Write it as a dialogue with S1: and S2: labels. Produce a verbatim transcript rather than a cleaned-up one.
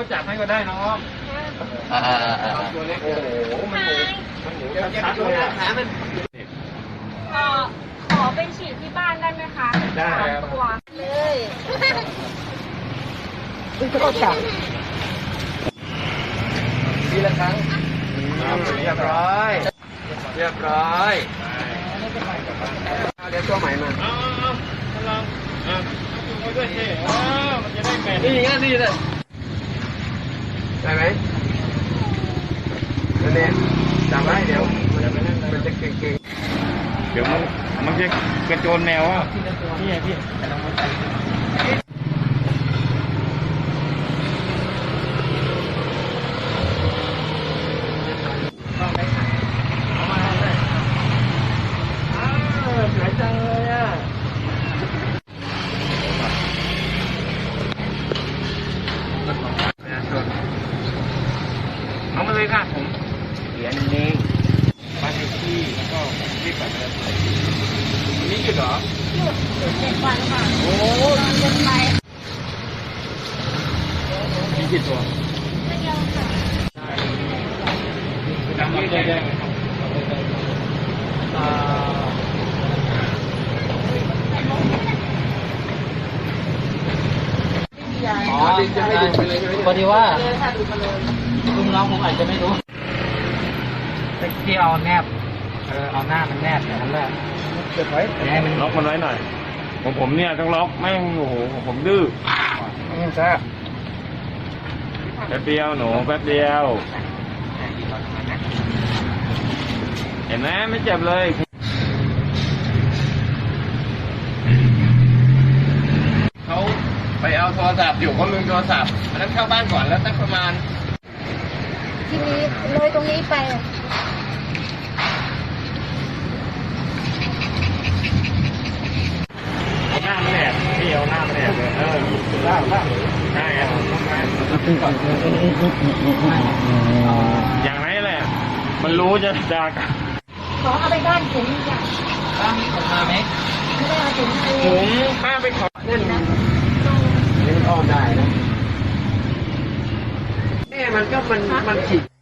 S1: จับให้ก็ได้น้อง
S2: อ่าอ่าอ่า
S1: ตัวเล็กโอ้โหมันหมูมันหมูชัดๆเลยอ่ะ
S3: ขอขอไปฉีดที่บ้านได้ไหมคะได้ตัวเลย
S2: ก็จับ
S1: ทีละครั้งเรียบร้อยเรียบร้อยเดี๋ยวตัวใหม่มาเอาเอากำลังอ่ะเอาด้วยสิอ๋อมันจะได้แมทนี่งั้นดีเลยได้ไหมนั่นเองจำไว้เดี๋ยวมันจะมันจะเก่งๆเดี๋ยวมันมันจะกระโจนแมวอ่ะพี่พี่สวยจังเลยอ่ะเอามาเลยค่ะผมเขียนเองบ้านเลขที่แล้วก็รีบกลับมาวันนี้หยุดเหรอ
S3: หยุดหยุดเจ็ดวันค่ะ
S1: โอ้
S3: เดินไป
S1: มีกี่ตัว
S3: ไม่เยอะค่ะ
S1: จำไม่ได้แดงอ๋อจะให้ดูไปเลยใช่ไหม
S2: พอดีว่าลุงน้องผมอาจจะไม่รู้ที่เอาแนบเออเอาหน้ามันแนบอย่างนั้นแหละ
S1: เก็บไว้
S2: ให้มัน
S1: ล็อกมันไว้หน่อยผมผมเนี่ยต้องล็อกแม่งโอ้โหผมดื้อไม่ใช่แป๊บเดียวหนูแป๊บเดียวเห็นไหมไม่เจ็บเลยเขาไปเอาโทรศัพท์อยู่เขาลืมโทรศัพท์แล้วเข้าบ้านก่อนแล้วสักประมาณ
S3: ทีนี้เลยตรงนี้ไป
S1: หน้ามันแหลกพี่เอาหน้ามันแหลกเลยเออล่างล่างใช่ครับอย่างไรแหละมันรู้จะด่ากัน
S3: ขอเอาไปบ้านผมจ้ะ
S2: บ้านนี้ผมมาไหม
S3: ไม่ได้เอาถุงไป
S1: ถุงข้าไปขอนั่นนะนี่มันอ้อมได้นะเอ๊ะมันก็มันมันขีด